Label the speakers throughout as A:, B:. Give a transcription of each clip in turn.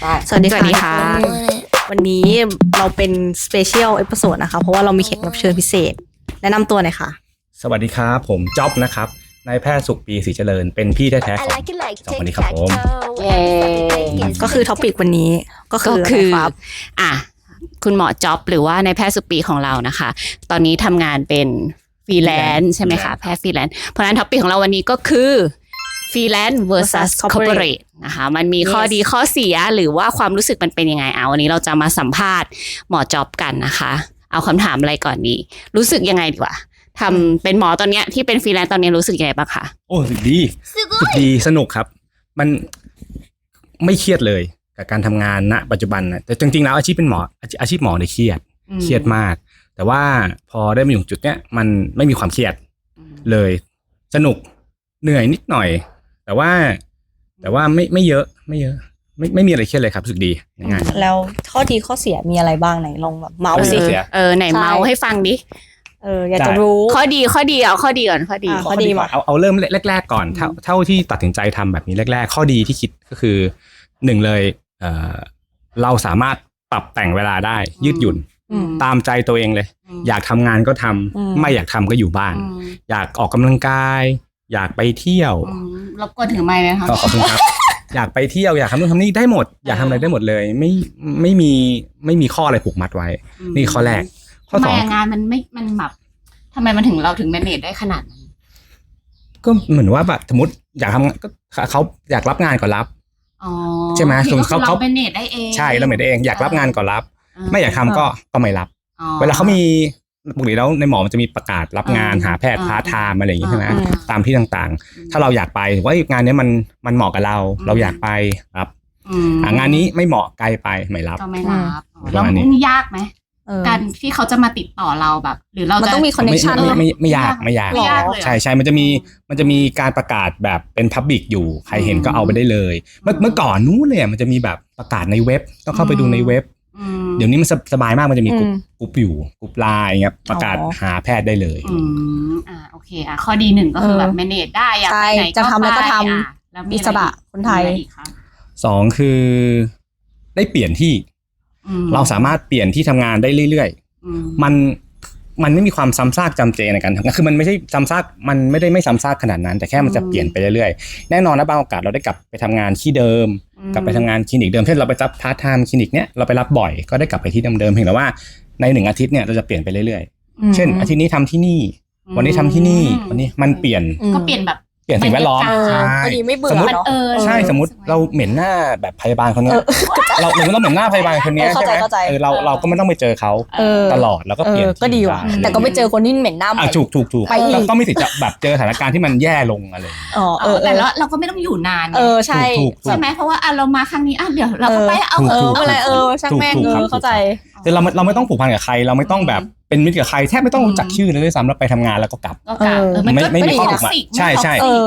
A: สวัสดีค่ะวันนี้เราเป็นสเปเชียลเอพิโซดนะคะเพราะว่าเรามีแขกรับเชิญพิเศษแนะนำตัวหน่อยค่ะ
B: สวัสดีครับผมจ๊อบนะครับนายแพทย์สุขปีศรีเจริญเป็นพี่แท้ๆของสองคนนี้ครับผม
A: ก็คือท็อปิกวันนี้ก็คือ
C: คุณหมอจ๊อบหรือว่านายแพทย์สุขปีของเรานะคะตอนนี้ทำงานเป็นฟรีแลนซ์ใช่ไหมคะแพทย์ฟรีแลนซ์เพราะฉะนั้นท็อปิกของเราวันนี้ก็คือฟรีแลนซ์ versus corporate นะคะมันมีข้อดีข้อเสียหรือว่าความรู้สึกมันเป็นยังไงวันนี้เราจะมาสัมภาษณ์หมอจ๊อบกันนะคะเอาคำถามอะไรก่อนดีรู้สึกยังไงดีกว่าทำเป็นหมอตอนเนี้ยที่เป็นฟรีแลนซ์ตอนนี้รู้สึกยังไงบ้างคะ
B: โอ้สึกดีสนุกครับมันไม่เครียดเลยกับการทำงานณปัจจุบันนะแต่จริงๆแล้วอาชีพเป็นหมออาชีพหมอเนี่ยเครียดมากแต่ว่าพอได้มาอยู่จุดเนี้ยมันไม่มีความเครียดเลยสนุกเหนื่อยนิดหน่อยแต่ว่าไม่เยอะไม่มีอะไรเครียดเลยครับรู้สึกดีง่าย
A: แล้วข้อดีข้อเสียมีอะไรบ้างไหนลองแบบเมาส์สิ
C: ไหนเมาส์ให้ฟังดิ
A: อยากจะรู้
C: ข้อดีเอาข้อดีก่อนข้อดี
B: มาเอาเริ่มแรกๆก่อนเท่าที่ตัดสินใจทำแบบนี้แรกๆข้อดีที่คิดก็คือหนึ่งเลยเราสามารถปรับแต่งเวลาได้ยืดหยุ่นตามใจตัวเองเลยอยากทำงานก็ทำไม่อยากทำก็อยู่บ้านอยากออกกำลังกายอยากไปเที่ยว
C: รบกวนถือไมค์ไหมคะ
B: ขอบคุณครับอยากไปเที่ยวอยากทำนู่นทำนี่ได้หมดอยากทำอะไรได้หมดเลยไม่มีข้ออะไรผูกมัดไว้นี่ข้อแรกข้อสอง
C: งานมันแบบทำไมมันถึงเราถึงแมเนจได้ขนาดนั้น
B: ก็เหมือนว่าแบบสมมติอยากทำก็เขาอยากรับงานก็รับใช่ไหมส่วนเขา
C: แมเนจได้เอง
B: ใช่เราแมเนจได้เองอยากรับงานก็รับไม่อยากทำก็ไม่รับเวลาเขามีปกติแล้วในหมอมันจะมีประกาศรับงานหาแพทย์พาร์ทไทม์อะไรอย่างงี้ใช่ไหมตามที่ต่างๆถ้าเราอยากไปว่างานนี้มันเหมาะกับเราอยากไปรับงานนี้ไม่เหมาะไกลไปไม่รับ
C: ก็ไม่รับแล้วมันยากไหมการที่เขาจะมาติดต่อเราแบบหรือเรา
A: มันต้องมีคอนเนคชั่น
B: ไม่ยากใช่มันจะมีการประกาศแบบเป็นพับบิกอยู่ใครเห็นก็เอาไปได้เลยเมื่อก่อนนู้นเลยมันจะมีแบบประกาศในเว็บต้องเข้าไปดูในเว็บเดี๋ยวนี้มันสบายมากมันจะมีกลุ่มอยู่กลุ่มไลน์เงี้ยประกาศหาแพทย์ได้เลย
C: โอเคข้อดีหนึ่งก็คือแบบแมเนจได้อยากไปไหน
A: จะทำแล้วก็ทำอิสระคนไทย
B: สองคือได้เปลี่ยนที่เราสามารถเปลี่ยนที่ทำงานได้เรื่อยๆมันไม่มีความซ้ำซากจำเจในการทำงานคือมันไม่ใช่ซ้ำซากมันไม่ได้ไม่ซ้ำซากขนาดนั้นแต่แค่มันจะเปลี่ยนไปเรื่อยๆแน่นอนนะบางโอกาสเราได้กลับไปทำงานที่เดิมกลับไปทำงานคลินิกเดิมเช่นเราไปรับพาร์ทไทม์คลินิกเนี้ยเราไปรับบ่อยก็ได้กลับไปที่เดิมๆเพียงแต่ว่าใน1อาทิตย์เนี่ยเราจะเปลี่ยนไปเรื่อยๆเช่นอาทิตย์นี้ทำที่นี่วันนี้ทำที่นี่วันนี้มันเปลี่ยน
C: ก็เปลี่ยนแบบ
B: เปลี่ยนสิ่งแวดล้อม
A: พอดีไม่เบื่อเนาะ
B: ใช่สมมติเราเหม็นหน้าแบบพยาบาลคนนี้เราเหม็นหน้าพยาบาลคนนี้ใช่ไหมเราก็ไม่ต้องไปเจอเขาตลอดแล้วก็เปลี่ยน
A: ก็ดีว่ะแต่ก็ไม่เจอคนที่เหม็นหน้า
B: ถูกแล้วก็ไม่สิทธิ์จะแบบเจอสถานการณ์ที่มันแย่ลงอะไร
C: แต่เราก็ไม่ต้องอยู่นาน
A: ใช่
C: ไหมเพราะว่าเรามาครั้งนี้เดี๋ยวเราก็ไปเอา
A: อะไรช่างแม่งเข้าใจ
B: แต่เราไม่ต้องผูกพันกับใครเราไม่ต้องแบบเป็นมิตรกับใครแทบไม่ต้องรู้จักชื่อเลยด้วยซ้ำเราไปทำงานแล้วก็กลับไม่มีข้อผูกมัดใช่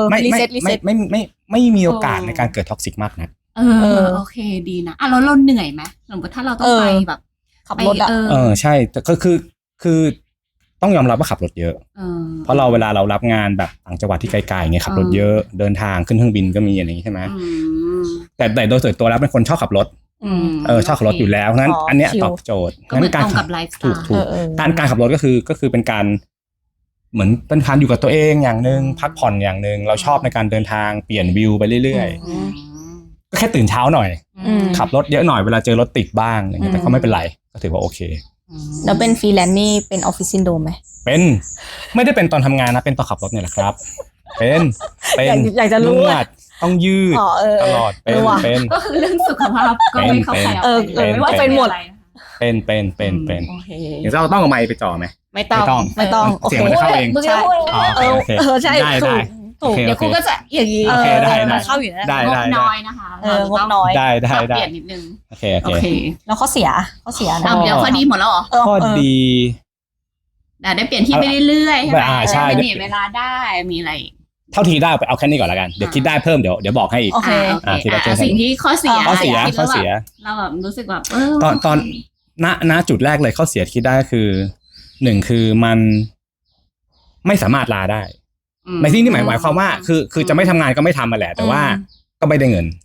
B: ไม่มีโอกาสในการเกิดท็อกซิกมากนัก
C: โอเคดีนะเราเหนื่อยไหมสมมติถ้าเราต้องไปแบบ
A: ขับรถ
B: ใช่แต่ก็คือต้องยอมรับว่าขับรถเยอะเพราะเวลาเรารับงานแบบต่างจังหวัดที่ไกลๆไงขับรถเยอะเดินทางขึ้นเครื่องบินก็มีอย่างนี้ใช่ไหมแต่โดยส่วนตัวแล้วเป็นคนชอบขับรถชอบขับรถอยู่แล้วงั้นอันเนี้ยตอบโจทย์
C: งั้นการขับ
B: ถูกการขับรถก็คือเป็นการเหมือนเป็นการอยู่กับตัวเองอย่างนึงพักผ่อนอย่างนึงเราชอบในการเดินทางเปลี่ยนวิวไปเรื่อยๆก็แค่ตื่นเช้าหน่อยขับรถเยอะหน่อยเวลาเจอรถติดบ้างอย่างเงี้ยแต่ก็ไม่เป็นไรก็ถือว่าโอเค
A: แล้วเป็นฟรีแลนซ์นี่เป็นออฟฟิศซินโดรมไหม
B: เป็นไม่ได้เป็นตอนทำงานนะเป็นตอนขับรถเนี่ยแหละครับเป็น
A: อยากจะรู้
B: ต้องยืดตลอดเป็น
C: ก็คือเรื่องสุขภาพก็ไม่เข้าใคร
A: ไม่ว่าเป็นหมด
B: เป็นเดี๋ยวเราต้องเอาไมค์ไปจ่อไหม
C: ไม่ต้อง
B: เสียงมันจะเข้าเอง
A: ใช่ใช่
B: ได้
C: เดี๋ยวครูก็จะอย่างนี้
B: โอเคได้
A: เข้าอยู่นะ
C: งบน้อยนะคะ
A: งบน้อย
B: ได้
C: เปลี่ยนนิดนึง
B: โอเค
A: แล้วข้อเสีย
C: นะเดี๋ยวข้อดีหมดแล้วเหรอ
B: ข้อดี
C: ได้เปลี่ยนที่ไปเรื่อยๆใช่ไหมมีเวลาได้มีอะไร
B: เท่าที่ได้ไปเอาแค่นี้ก่อนละกันเดี๋ยวคิดได้เพิ่มเดี๋ยวบอกให้อีก
C: สิ่งที่ข้อเสียเราแบบรู้สึกแบบ
B: ตอนณจุดแรกเลยข้อเสียคิดได้คือ1คือมันไม่สามารถลาได้ในที่นี้หมายความว่าคือจะไม่ทำงานก็ไม่ทำมาแหละแต่ว่าก็ไม่ได้เงิน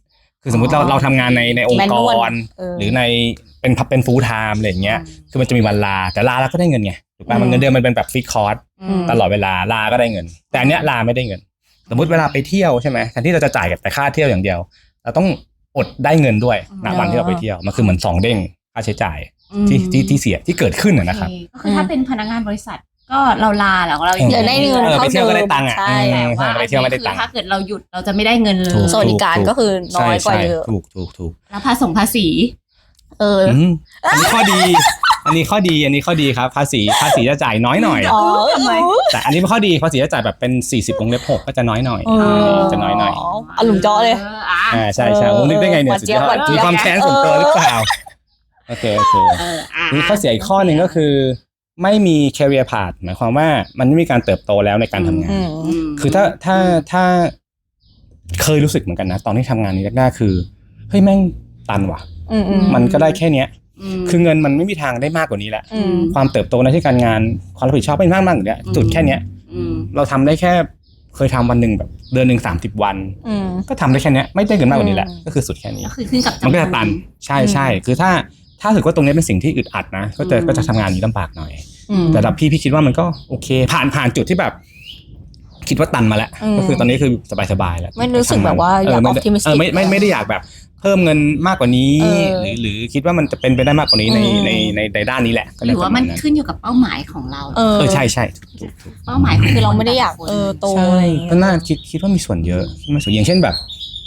B: คือสมมติเราทำงานในองค์ก
A: Manual
B: ร
A: เออ
B: หรือในเป็นฟูลไทม์อะไรอย่างเงี้ยคือมันจะมีวันลาแต่ลาแล้วก็ได้เงินไงถูกป่ะมันเงินเดือนมันเป็นแบบฟิกคอร์สตลอดเวลาลาก็ได้เงิน แต่อันเนี้ยลาไม่ได้เงิน สมมติเวลาไปเที่ยวใช่ไหมแทนที่เราจะจ่ายแต่ค่าเที่ยวอย่างเดียวเราต้องอดได้เงินด้วยณวันที่เราไปเที่ยวมันคือเหมือน2 เด้งค่าใช้จ่ายที่เสียที่เกิดขึ้นนะครับ
C: ก็คือถ้าเป็นพนักงานบริษัทก็เราลาแล้วเรา
A: เดี๋ยวได้เงิน
B: ไป
A: เท่า
B: เที่
A: เดิ
B: ยว
A: ม
B: ก็ได้ตังค์อ่ะ
A: ใช่
C: แต่ว่า
B: ไปเที่ยวไม่ได้ตังค์
C: ถ้าเกิดเราหยุดเราจะไม่ได้เงินเลย
A: สวัสดิการก็คือน้อยกว่าเยอะ
B: ถูก
C: แล้วภาษี
B: อันนี้ข้อดีอันนี้ข้อดีครับภาษีจะจ่ายน้อยหน่อย
A: อ๋อทำไม
B: แต่อันนี้เป็นข้อดีภาษีจะจ่ายแบบเป็น40 วงเล็บ 6ก็จะน้อยหน่อยจะน้อยหน่อย
A: อารมณ์เจาะเลย
B: ใช่ผมนึกได้ไงเนี่ยสุดยอดมีความแค้นส่วนตัวหรือเปล่าโอเคนี่ข้อเสียอีกข้อหนึ่งก็คือไม่มี career path หมายความว่ามันไม่มีการเติบโตแล้วในการทำงานคือถ้าเคยรู้สึกเหมือนกันนะตอนที่ทำงานนี้แรกๆคือเฮ้ยแม่งตันว่ะมันก็ได้แค่เนี้ยคือเงินมันไม่มีทางได้มากกว่านี้แหละความเติบโตในที่การงานความรับผิดชอบไม่มากอย่างเงี้ยจุดแค่เนี้ยเราทำได้แค่เคยทำวันหนึ่งแบบเดือนหนึ่ง30 วันก็ทำได้แค่เนี้ยไม่ได้เงินมากกว่านี้แหละก็คือสุดแค่นี้
C: ก็คือขึ้นกับ
B: มันก็จะตันใช่คือถ้าถือว่าตรงนี้เป็นสิ่งที่อึดอัดนะก็จะทำงานนี้ลำบากหน่อยแต่แบบพี่คิดว่ามันก็โอเคผ่านจุดที่แบบคิดว่าตันมาแล้วก็คือตอนนี้คือสบายๆแล้ว
A: ไม่รู้สึกแบบว่าอยากออปติมิสติก
B: ไม่ได้อยากแบบเพิ่มเงินมากกว่านี้หรือคิดว่ามันจะเป็นไปได้มากกว่านี้ในด้านนี้แหละ
C: หรือว่ามันขึ้นอยู่กับเป้าหมายของเรา
B: ใช่
C: เป้าหมาย
A: คือเราไม่ได้อยากโตอะไรอย่างเงี้ย
B: ก็น่าคิดว่ามีส่วนเยอะอย่างเช่นแบบ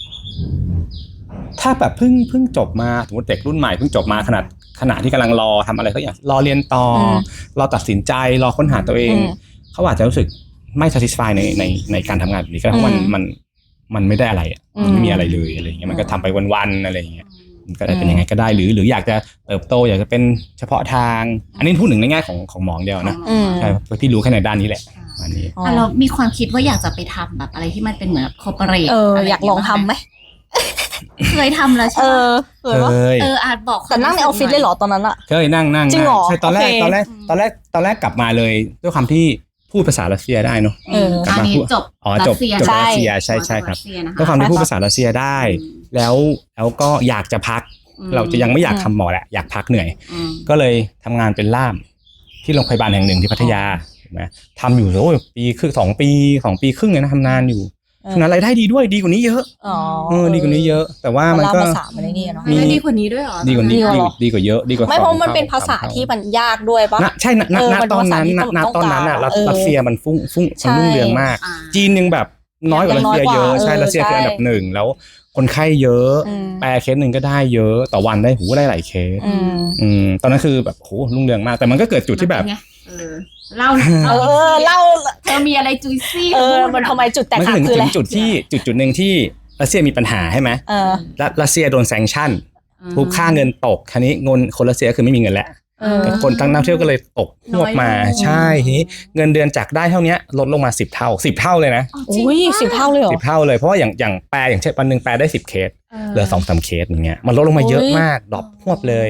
B: ถ้าแบบเพิ่งจบมาสมมติเด็กรุ่นใหม่เพิ่งจบมาขณะที่กำลังรอทำอะไรสักอย่างรอเรียนต่อรอตัดสินใจรอค้นหาตัวเองเขาอาจจะรู้สึกไม่ satisfy ในการทำงานแบบนี้ก็เพราะมันไม่ได้อะไรมันไม่มีอะไรเลยอะไรอย่างเงี้ยมันก็ทำไปวันๆอะไรอย่างเงี้ยมันก็ได้เป็นยังไงก็ได้หรืออยากจะเติบโตอยากจะเป็นเฉพาะทางอันนี้พูดถึงในแง่ของหมอเดียวนะใช่พี่รู้แค่ในด้านนี้แหละอันนี้
C: เรามีความคิดว่าอยากจะไปทำแบบอะไรที่มันเป็นเหมือนคอร์ปอเรท
A: อยากลองทำไหม
C: เคยทำแล้วใช่ไหม
B: เคย
C: อาจบอก
A: แต่นั่งในออฟฟิศเลยเหรอตอนนั้นอะ
B: เคยนั่ง
A: จริงเหรอ
B: ใช่ตอนแรกกลับมาเลยด้วยความที่พูดภาษารัสเซียได้เนาะ
C: กลับมาพูดจบ
B: รัสเซียใช่ครับด้วยความที่พูดภาษารัสเซียได้แล้วก็อยากจะพักเราจะยังไม่อยากทำหมอแหละอยากพักเหนื่อยก็เลยทำงานเป็นล่ามที่โรงพยาบาลแห่งหนึ่งที่พัทยาเห็นไหมทำอยู่โอ้ยปีครึ่ง2 ปีครึ่งเลยนะทำนานอยู่ฉะนั้นรายได้ดีด้วยดีกว่านี้เยอะดีกว่านี้เยอะแต่ว่ามันก็
A: ภาษามันนี่เนาะ
C: มีดีกว่านี้ด้วยเหรอ
B: ดีกว่านี้ดีกว่าเยอะดีกว่า
A: ไม่เพราะมันเป็นภาษาที่มันยากด้วยปะ
B: ใช่ณตอนนั้นอ่ะรัสเซียมันฟุ้งมันรุ่งเรืองมากจีนยังแบบน้อยกว่ารัสเซียเยอะใช่รัสเซียคืออันดับ1แล้วคนไข้เยอะแปลเคสหนึ่งก็ได้เยอะต่อวันได้ได้หลายเคสตอนนั้นคือแบบโหรุ่งเรืองมากแต่มันก็เกิดจุดที่แบบ
C: เล่าเธอมีอะไรจุยซี่
A: มันทำไมจุดแตกหักคืออะไร
B: จุดหนึ่งที่รัสเซียมีปัญหาใช่ไหมรัสเซียโดนแซงชั่นทุกค่าเงินตกคันนี้เงินคนรัสเซียคือไม่มีเงินแล้วคนตั้งนักเที่ยวก็เลยตกพวกมาใช่ทีนี้เงินเดือนจากได้เท่านี้ลดลงมา10 เท่าเลยนะ
A: อุ้ย10 เท่าเลยเหรอ
B: 10 เท่าเลยเพราะว่าอย่างแปลอย่างเช่นวันนึงแปลได้10 เคสเหลือ 2-3 เคสอย่างเงี้ยมันลดลงมาเยอะมากดรอปพวบเลย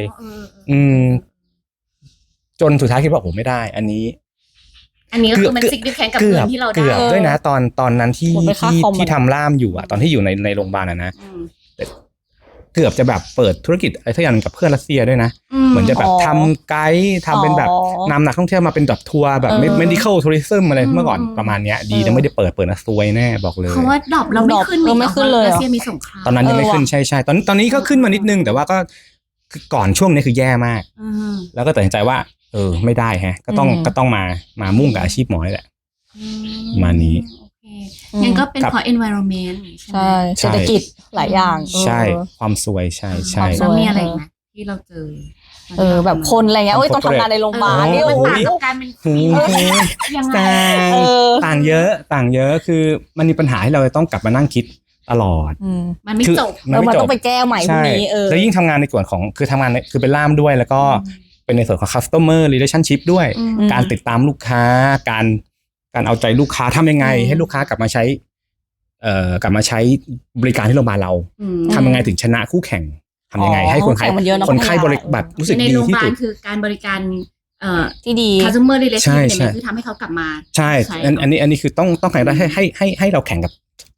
B: จนสุดท้ายคิดว่าโอ้ไม่ได้อันนี้
C: ก็คือมันซิกดิแคนกับเงินที่เราได้
B: เกือบด้วยนะตอนนั้นที่ทำล่ามอยู่อ่ะตอนที่อยู่ในโรงพยาบาลนะเกือบจะแบบเปิดธุรกิจอะไรทุกอย่างกับเพื่อนรัสเซียด้วยนะเหมือนจะแบบทำไกด์ทำเป็นแบบนำนักท่องเที่ยวมาเป็นแบบทัวร์แบบ medical tourism อะไรเมื่อก่อนประมาณเนี้ยดีแต่ไม่ได้เปิดนะซวยแน่บอกเลย
C: เพราะว่าดรอปเราไม่ขึ้นเลยรัสเซียมีสงคราม
B: ตอนนั้นยังไม่ขึ้นใช่ตอนนี้ก็ขึ้นมานิดนึงแต่ว่าก็คือก่อนช่วงนี้คือแย่มากแล้วก็ตัดสินใจว่าไม่ได้ฮะก็ต้องมามุ่งกับอาชีพหมอนี่แหละมานี้
C: งั้นก็เป็นเพราะ environment
A: ใช่เศรษฐกิจหลายอย่าง
B: ใช่ความซวยใช่
C: แล้วมีอะไรไหมที่เราเจอ
A: แบบคนอะไรเงี้ยต้องทำงานในโรงพยาบาลนี่
C: โอ้โหการเป็นยังไง
B: ต่างเยอะคือมันมีปัญหาให้เราต้องกลับมานั่งคิดตลอด
C: มันไม่จบ
A: มันต้องไปแก้ใหม่พวกนี้
B: แล้วยิ่งทำงานในส่วนของคือทำงานคือเป็นล่ามด้วยแล้วก็เป็นในส่วนของ customer relationship ด้วยการติดตามลูกค้าการเอาใจลูกค้าทำยังไงให้ลูกค้ากลับมาใช้บริการที่โรงพยาบาลเราทำยังไงถึงชนะคู่แข่งทำยังไงให้คนไข้บริการรู้สึกดีที่สุด
C: คือการบริการ
A: ที่ดี
C: customer relationship เนี่ยคือทำให้เขากลับมา
B: ใช่อันนี้คือต้องแข่งได้ให้เราแข่งกับ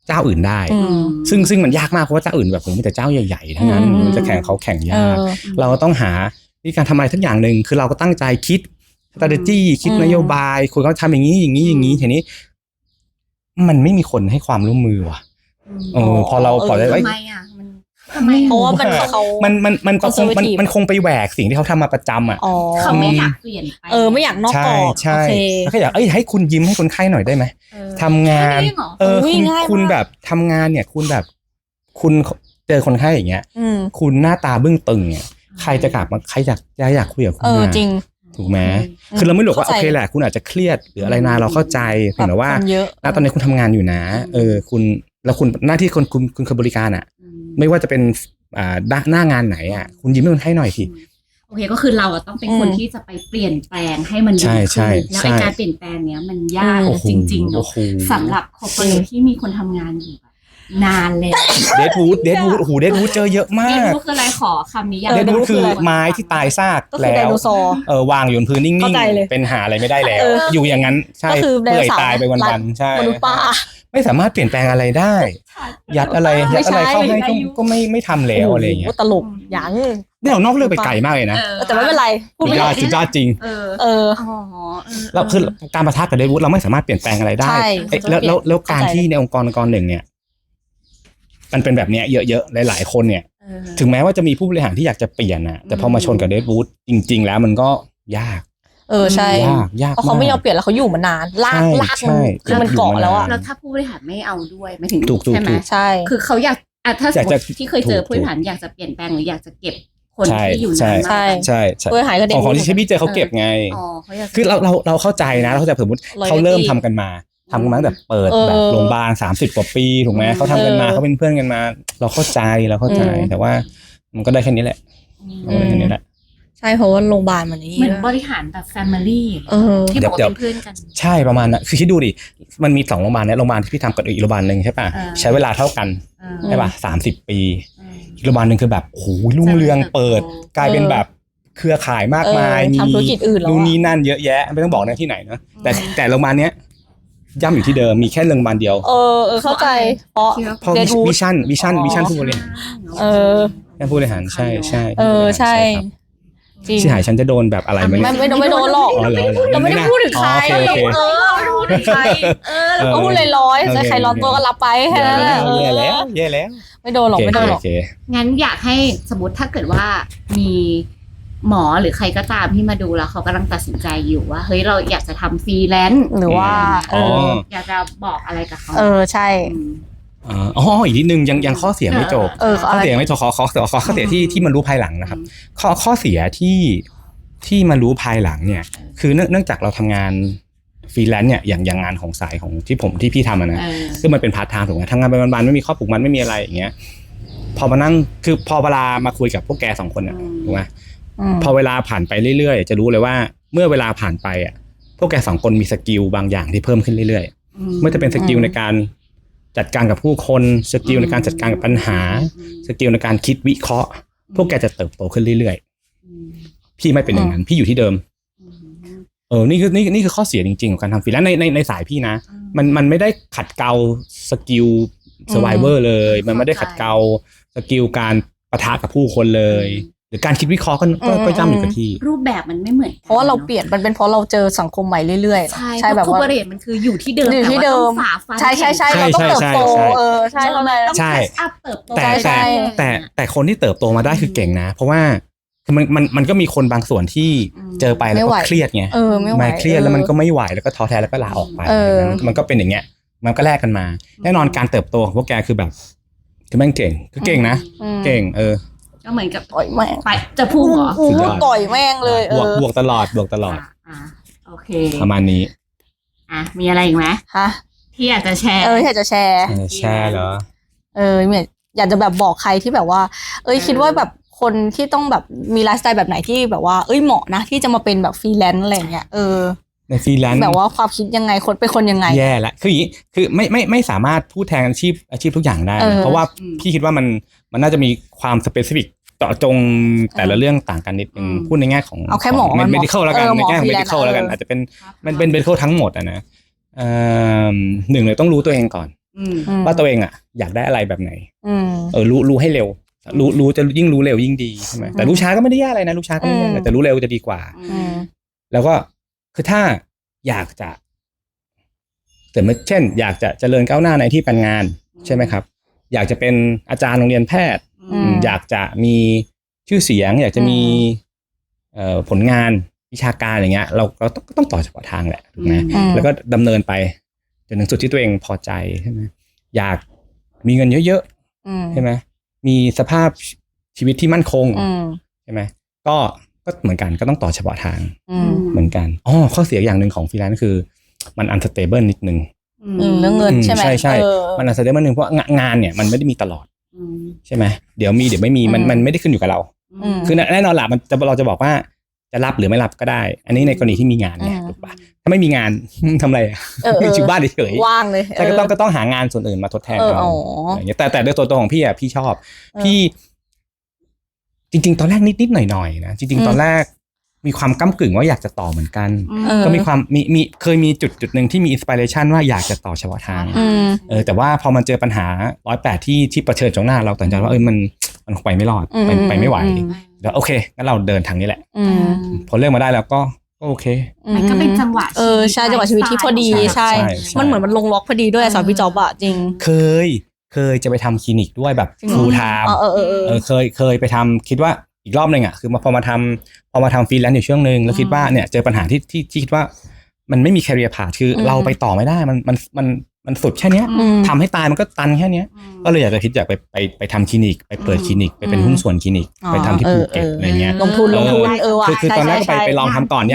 B: เจ้าอื่นได้ ซึ่งมันยากมากเพราะว่าเจ้าอื่นแบบผมมีแต่เจ้าใหญ่ๆทั้งนั้นมันจะแข่งเขาแข่งยากเราต้องหาวิธีการทำอะไรทั้งอย่างหนึ่งคือเราก็ตั้งใจคิด strategy คิดนโยบายคุณเขาทำอย่างนี้อย่างนี้อย่างนี้ทีนี้มันไม่มีคนให้ความร่วมมือว่ะพอเราปล่อยไว้
C: ทำไมอ่ะทำไม
A: เพราะว่ามัน
B: คงไปแหวกสิ่งที่เขาทำมาประจำอ่ะ
C: เขาไม่อยากเปลี่ยนไป
A: ไม่อยากนอกกรอบ
B: ใช่แล้วก็อยากให้คุณยิ้มให้คนไข้หน่อยได้ไหมทำงานคุณแบบทำงานเนี่ยคุณแบบคุณเจอคนไข้อย่างเงี้ยคุณหน้าตาบึ้งตึงเนี่ยใครจะกลับมาใครอยากคุยกับคุณ
A: จริง
B: ถูกไหมคือเราไม่หลอกว่าโอเคแหละคุณอาจจะเครียดหรืออะไรนะเราเข้าใจเพียงแต่ว่าณตอนนี้คุณทำงานอยู่นะคุณแล้วคุณหน้าที่คุณคือบริการอ่ะไม่ว่าจะเป็นหน้างานไหนอ่ะคุณยิ้มให้คนไข้หน่อยที
C: โอเคก็คือเราต้องเป็นคนที่จะไปเปลี่ยนแปลงให้มันดีขึ้นแล้วไอ้การเปลี่ยนแปลงเนี้ยมันยากจริงๆเนาะสำหรับคอร์ปอเรทที่มีคนทำงานอยู่นานแล้ว
B: เดดวูดโอ้โหเดดวูดเจอเยอะมาก
C: เดดวูดคืออะไรขอคำนี้
B: เดดวูดคือไม้ที่ตายซากแล้ววางอยู่บนพื้นนิ่งๆเป็นหาอะไรไม่ได้แล้วอยู่อย่างนั้นใช่เปื่อยตายไปวันๆใช่ไม่สามารถเปลี่ยนแปลงอะไรได้ยัดอะไรเข้าให้ก็ไม่ทำแล้วอะไรอย่างเงี้ย
A: ตลกยัง
B: เนี่ยนอกเรื่องไปไกลมากเลยนะ
A: แต่ไม่เป็นไร
B: พูดไม่ได้สุดยอดจริงเราคือการปะทะกับเดดวูดเราไม่สามารถเปลี่ยนแปลงอะไรได้แล้วการที่ในองค์กรหนึ่งเนี่ยมันเป็นแบบนี้เยอะๆหลายๆคนเนี่ยถึงแม้ว่าจะมีผู้บริหารที่อยากจะเปลี่ยนนะแต่พอมาชนกับเดดวูดจริงๆแล้วมันก็ยาก
A: ใช่
B: ยาก
A: เพราะเขาไม่ยอมเปลี่ยนแล้วเขาอยู่มานานลากคือมันเกาะแล้วอะ
C: แล้วถ้าผู้บริหารไม่เอาด้วยไม่ถึงใช่ไหม
A: ใช่
C: คือเขาอยากถ้าสมมติที่เคยเจอผู้บริหารอยากจะเปลี่ยนแปลงหรืออยากจะเก็บคนที่อยู่นาน
B: ใช่ผู้บริหารก็เด็กของที่พี่เจอเขาเก็บไงคือเราเข้าใจนะเราเข้าใจสมมติเขาเริ่มทำกันมาแบบเปิดแบบโรงพยาบาล30 กว่าปีถูกไหมเขาทำกันมาเขาเป็นเพื่อนกันมาเราเข้าใจแต่ว่ามันก็ได้แค่นี้แหละ
A: ใช่เพราะว่าโรงพยาบาลมัน
C: นี่เหมือนบริหารแบบแฟมิลี่ที่บอกเป็นเพื่อนกัน
B: ใช่ประมาณนั้นคือคิดดูดิมันมี2 โรงพยาบาลเนี่ยโรงพยาบาลที่พี่ทำกับอีกโรงพยาบาลนึงใช่ป่ะใช้เวลาเท่ากันใช่ป่ะ30 ปีอีกโรงพยาบาลนึงคือแบบโอ้โหรุ่งเรืองเปิดกลายเป็นแบบเครือข่ายมากมาย
A: มีธุรกิจอื่นแล้ว
B: นู่นนี่นั่นเยอะแยะไม่ต้องบอกนะที่ไหนนะแต่โรงพยาบาลเนี้ยย่ำอยู่ที่เดิมมีแค่โรงพยาบาลเดียว
A: เข้าใจเพราะ
B: วิชั่นผู้บริหารแค่ผู้บริหารใช่
A: ใช่
B: ที่หายฉันจะโดนแบบอะไรไหม
A: ไม่โดนหรอกเราไม่ได้พูดถึงใครไม่พูดถึงใครก็พูดลอยๆใครร้อนตัวก็รับไปแค่นั้นแหละ
B: แย่แล้ว
A: ไม่โดนหรอก
C: งั้นอยากให้สมมติถ้าเกิดว่ามีหมอหรือใครก็ตามที่มาดูแล้วเขากำลังตัดสินใจอยู่ว่าเฮ้ยเราอยากจะทำฟรีแลนซ์
A: หรือว่า
C: อยากจะบอกอะไรกับเขา
A: ใช่
B: อีกนิดนึงยังข้อเสียไม่จบข้อเสียไม่จบข้อเสียที่มันรู้ภายหลังนะครับข้อเสียที่มารู้ภายหลังเนี่ยคือเนื่องจากเราทำงานฟรีแลนซ์เนี่ยอย่างงานของสายของที่พี่ทำนะคือมันเป็นพาร์ทไทม์ถูกไหมทำงานเป็นวันๆไม่มีข้อผูกมัดไม่มีอะไรอย่างเงี้ยพอมานั่งคือพอเวลามาคุยกับพวกแก2 คนเนี่ยถูกไหมพอเวลาผ่านไปเรื่อยๆจะรู้เลยว่าเมื่อเวลาผ่านไปอ่ะพวกแก2 คนมีสกิลบางอย่างที่เพิ่มขึ้นเรื่อยๆไม่ว่าจะเป็นสกิลในการจัดการกับผู้คนสกิลในการจัดการกับปัญหาสกิลในการคิดวิเคราะห์พวกแกจะเติบโตขึ้นเรื่อยๆพี่ไม่เป็นอย่างนั้นพี่อยู่ที่เดิมนี่คือข้อเสียจริงๆของการทำฟรีแลนซ์ในสายพี่นะมันไม่ได้ขัดเกลาสกิลเซอร์ไวเวอร์เลยมันไม่ได้ขัดเกลาสกิลการปะทะกับผู้คนเลยหรือการคิดวิเคราะห์ก็ย่ำอยู่กับที่
C: รูปแบบมันไม่เหมือน
A: เพราะว่าเราเปลี่ยนมันเป็นเพราะเราเจอสังคมใหม่เรื่อย
C: ๆใช่แบบว่าคอร์ปอเรทมันคืออยู่ที่เดิม
A: แต่ว่าต้องฝ่าฟันใช่เราต้องเติบโตใช่เราเลย
C: ต้องแคชอัพเติบโต
B: แต่คนที่เติบโตมาได้คือเก่งนะเพราะว่ามันก็มีคนบางส่วนที่เจอไปแล้วก็เครียดไงไม่เครียดแล้วมันก็ไม่ไหวแล้วก็ท้อแท้แล้วก็ลาออกไปมันก็เป็นอย่างเงี้ยมันก็แลกกันมาแน่นอนการเติบโตของพวกแกคือแบบคือแม่งเก่งคือเก่งนะเก่ง
C: ก็เหมือนกับ
A: ต่อยแม่ง
C: ไปจะพุ่งเหรอ
A: ต่อยแม่งเลย
B: บวกตลอด
C: โอเค
B: ประมาณนี้
C: มีอะไรอีกไหมที่อยากจะแชร์
A: อยากจะแชร์
B: เหรอ
A: อยากจะแบบบอกใครที่แบบว่าคิดว่าแบบคนที่ต้องแบบมีไลฟ์สไตล์แบบไหนที่แบบว่าเหมาะนะที่จะมาเป็นแบบฟรีแลนซ์อะไรเงี้ย
B: ในฟรีแลนซ์
A: แบบว่าความคิดยังไงคนเป็นคนยังไง
B: แย่ละคืออย่างนี้คือไม่สามารถพูดแทนอาชีพทุกอย่างได้เพราะว่าพี่คิดว่ามันน่าจะมีความสเปซิฟิกเจาะจงแต่ละเรื่องต่างกันนิดนึงพูดในแง่ของ
A: เอาแค่หมอ
B: เมดิคอลแล้วกันในแง่ของเมดิคอลแล้วกันอาจจะเป็นมันเป็นเมดิคอลทั้งหมดนะหนึ่งเลยต้องรู้ตัวเองก่อนว่าตัวเองอ่ะอยากได้อะไรแบบไหน
A: อืม
B: รู้ให้เร็วรู้จะยิ่งรู้เร็วยิ่งดีใช่ไหมแต่รู้ช้าก็ไม่ได้แย่อะไรนะรู้ช้าก็ไม่ได้แย่แต่รู้เร็วจะดีกว่า
A: อืม
B: แล้วก็คือถ้าอยากจะเช่น อยากจะเจริญก้าวหน้าในที่การงานใช่ไหมครับอยากจะเป็นอาจารย์โรงเรียนแพทย์อยากจะมีชื่อเสียง อยากจะมีผลงานวิชาการอย่างเงี้ยเราต้องต่อเฉพาะทางแหละถูกไหมแล้วก็ดำเนินไปจนถึงจุดที่ตัวเองพอใจใช่ไหมอยากมีเงินเยอะๆใช่ไหมมีสภาพชีวิตที่มั่นคงใช่ไหมก็เหมือนกันก็ต้องต่อเฉพาะทางเหมือนกันข้อเสียอย่างหนึ่งของฟรีแลนซ์คือมัน unstable นิดนึง
A: เรื่องเงินใช่ไหม
B: ใช่มัน unstable นึงเพราะงานเนี่ยมันไม่ได้มีตลอดใช่ไหมเดี๋ยวมีเดี๋ยวไม่มีมันไม่ได้ขึ้นอยู่กับเราคือแน่นอนละเราจะบอกว่าจะรับหรือไม่รับก็ได้อันนี้ในกรณีที่มีงานเนี่ยถูกปะถ้าไม่มีงานทำอะไรอยู่บ้านเฉย
A: ว่างเลย
B: แต่ก็ต้องหางานส่วนอื่นมาทดแทนเราอย่างเงี้ยแต่โดยตัวของพี่อ่ะพี่ชอบพี่จริงๆตอนแรกนิดหน่อยๆนะจริงๆตอนแรกมีความก้ำกึ่งว่าอยากจะต่อเหมือนกันก็มีความเคยมีจุดหนึ่งที่มีอินสปิเรชันว่าอยากจะต่อเฉพาะทางแต่ว่าพอมันเจอปัญหา108ที่เผชิญตรงหน้าเราตัดสินใจว่ามันคงไปไม่รอดไปไม่ไหวแล้วโอเคงั้นเราเดินทางนี้แหละพอเลือกมาได้แล้วก็โอเค
C: มันก็เป็นจังหวะ
A: ใช่จังหวะชีวิตที่พอดีใช่มันเหมือนมันลงล็อกพอดีด้วยสอนพี่จ๊อบอะจริง
B: เคยจะไปทำคลินิกด้วยแบบฟูลไทม์เคยไปทำคิดว่าอีกรอบนึงอ่ะคือพอมาทำฟรีแลนซ์อยู่ช่วงนึงแล้วคิดว่าเนี่ยเจอปัญหาที่คิดว่ามันไม่มีแคเรียร์พาธคือเราไปต่อไม่ได้มันสุดแค่นี้ทำให้ตายมันก็ตันแค่นี้ก็เลยอยากไปทำคลินิกไปเปิดคลินิกไปเป็นหุ้นส่วนคลินิกไปทำที่ภูเก็ตอะไรเงี้ย
A: ลงทุน
B: คือตอนแรกก็ไปลองทำก่อน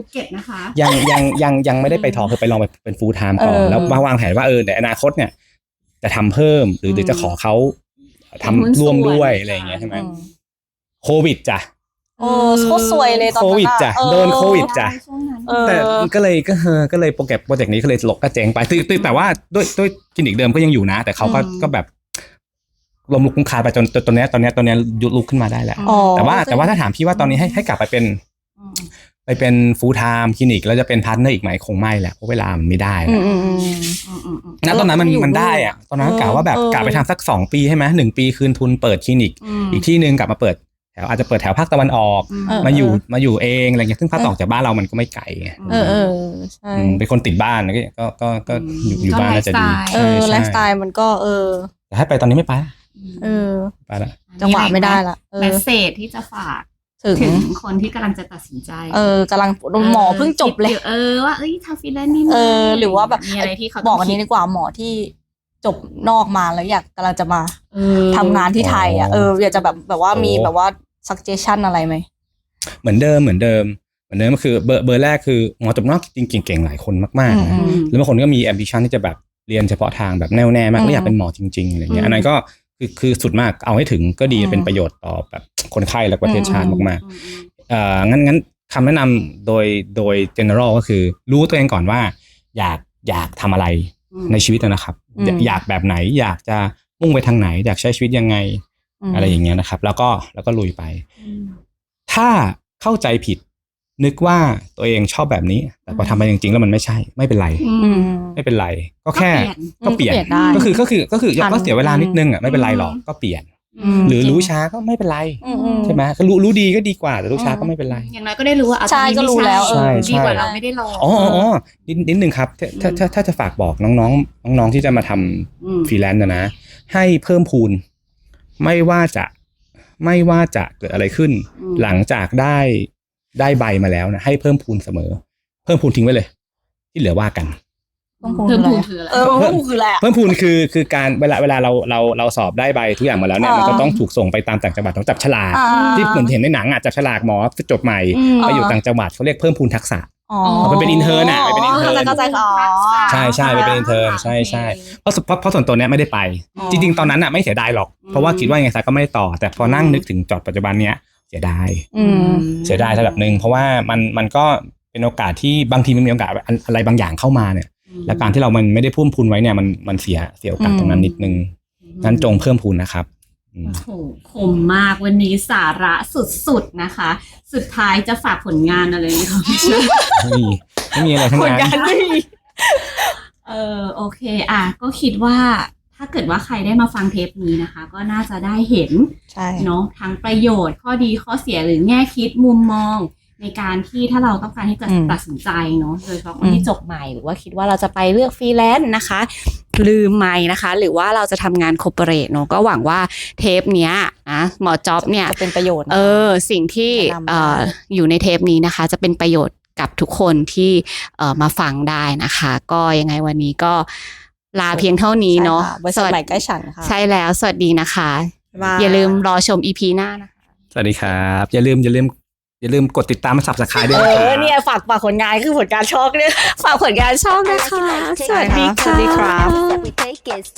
B: ยังไม่ได้ไปทอคือไปลองไปเป็นฟูลไทม์ก่อนแล้ววางแผนว่าในอนาคตเนี่ยจะทำเพิ่มหรือจะขอเขาทำร่วมด้วยอะไรอย่างเงี้ยใช่ไหมโควิดจ้ะ
A: โคตรสวยเลยตอนนั้น
B: โควิดจ้ะโดนโควิดจ้ะแต่ก็เลยโปรเจกต์นี้ก็เลยก็เจ๊งไปแต่ว่าด้วยคลินิกเดิมก็ยังอยู่นะแต่เขาก็แบบล้มลุกคลุกคลานไปจนตอนนี้ยุดลุกขึ้นมาได้แล้วแต่ว่าถ้าถามพี่ว่าตอนนี้ให้กลับไปเป็นฟูลไทม์คลินิกแล้วจะเป็นพาร์ทเนอร์อีกไหมคงไม่แหละเพราะเวลามันไม่ได้ณตอนนั้นมันได้อะตอนนั้นกะว่าแบบกะไปทำสัก2 ปีใช่ไหม1 ปีคืนทุนเปิดคลินิกอีกที่นึงกลับมาเปิดแถวอาจจะเปิดแถวภาคตะวันออกมาอยู่เองอะไรเงี้ยซึ่งภาคตะวันออกจากบ้านเรามันก็ไม่ไกลไง
A: ใช่
B: เป็นคนติดบ้านก็อยู่บ้านน่าจะดี
A: ไลฟ์สไตล์มันก็
B: แต่ให้ไปตอนนี้ไม่ไปไปละ
A: จังหวะไม่ได้ละ
C: เมสเสจที่จะฝากถึงคนที่กำลังจะตัดสินใจ
A: กำลังหมอเพิ่งจบเลย
C: ว่าทำฟรีแลนซ์นี่
A: หรือว่าแบบ
C: มีอะไรที่เขา
A: บอกอันนี้ดีกว่าหมอที่จบนอกมาแล้วกำลังจะมาทำงานที่ไทยอยากจะแบบว่ามีแบบว่า suggestion อะไรไหม
B: เหมือนเดิมก็คือเบอร์แรกคือหมอจบนอกจริงๆเก่งหลายคนมากๆนะแล้วบางคนก็มี ambition ที่จะแบบเรียนเฉพาะทางแบบแน่วแน่มากแล้วอยากเป็นหมอจริงๆอะไรเงี้ยอันนั้นก็คือสุดมากเอาให้ถึงก็ดีเป็นประโยชน์ต่อแบบคนไข้และประเทศชาติมากๆงั้นคำแนะนำโดย general ก็คือรู้ตัวเองก่อนว่าอยากทำอะไรในชีวิตนะครับอยากแบบไหนอยากจะมุ่งไปทางไหนอยากใช้ชีวิตยังไงอะไรอย่างเงี้ยนะครับแล้วก็ลุยไปถ้าเข้าใจผิดนึกว่าตัวเองชอบแบบนี้แต่พอทำไปจริงๆแล้วมันไม่ใช่ไม่เป็นไรก็แค่ก็เปลี่ยนก็คือก็เสียเวลานิดนึงไม่เป็นไรหรอกก็เปลี่ยนหรือรู้ช้าก็ไม่เป็นไรใช่ไหมก็รู้ดีก็ดีกว่าแต่รู้ช้าก็ไม่เป็นไร
C: อย่างน้อยก็ได้รู้ว่า
A: ใช่ก็รู้แล้ว
C: ดีกว่าเราไม่ได้ลอง
B: นิดนึงครับถ้าจะฝากบอกน้องที่จะมาทำฟรีแลนซ์นะให้เพิ่มพูนไม่ว่าจะเกิดอะไรขึ้นหลังจากได้ใบมาแล้วนะให้เพิ่มพูนเสมอเพิ่มพูนทิ้งไว้เลยที่เหลือว่ากัน
C: เพิ่มพูนคืออะไร
B: เพิ่มพูนคือการเวลาเราสอบได้ใบทุกอย่างมาแล้วเนี่ยมันก็ต้องถูกส่งไปตามต่างจังหวัดต้องจับฉลากที่เหมือนเห็นในหนังจับฉลากหมอจบใหม่ไปอยู่ต่างจังหวัดเขาเรียกเพิ่มพูนทักษะไปเป็นอินเทอร์ไปเป็นอินเทอร์ใช่ไปเป็นอินเทอร์ใช่เพราะส่วนตัวเนี้ยไม่ได้ไปจริงๆตอนนั้นไม่เสียดายหรอกเพราะว่าคิดว่าไงซะก็ไม่ได้ต่อแต่พอนั่งนึกถึงจอดปัจจุบันเนี้ยเสียดายระดับนึงเพราะว่ามันก็เป็นโอกาสที่บางทีมันมีโอกาสอะไรบางอย่างเข้ามาเนี่ยและการที่เรามันไม่ได้พุ่มพูนไว้เนี่ยมันเสียโอกาสตรงนั้นนิดนึงงั้นจงเพิ่มพูนนะครับ
C: โอ้โหคมมากวันนี้สาระสุดๆนะคะสุดท้ายจะฝากผลงานอะไรไหมคะ
B: ไม่มีอะไรทั้งนั้น
C: โอเคก็คิดว่าถ้าเกิดว่าใครได้มาฟังเทปนี้นะคะ ก็น่าจะได้เห็น
A: ใช่
C: เนาะทั้งประโยชน์ข้อดีข้อเสียหรือแง่คิดมุมมอง ในการที่ถ้าเราต้องการที่จะตัดสินใจเนาะโดยเฉพาะคนที่จบใหม่หรือว่าคิดว่าเราจะไปเลือกฟรีแลนซ์นะคะลืมไม่นะคะหรือว่าเราจะทำงานคอร์ปอเรทเนาะก็หวังว่าเทปเนี้ยนะหมอจ๊อบเนี่ย
A: จะเป็นประโยชน์
C: สิ่งที่
A: แนะนำได้
C: อยู่ในเทปนี้นะคะ จะเป็นประโยชน์กับทุกคนที่มาฟังได้นะคะ ก็ยังไงวันนี้ก็ลาเพียงเท่านี้เนาะ
A: ใช่ค่ะบริษัทใหม่ใกล้ฉันค่ะ
C: ใช่แล้วสวัสดีนะคะ
A: บ๊ายบาย
C: อย่าลืมรอชม EP หน้านะคะ
B: สวัสดีครับ อย่าลืมกดติดตามและ Subscribe ด้วยนะครับ
A: เนี่ยฝากผลงานคือผลการช็อกเนี่ย
C: ฝากผลงานช่องนะคะ สวัสดีค่ะ
A: สวัสดีครับ
D: That we take is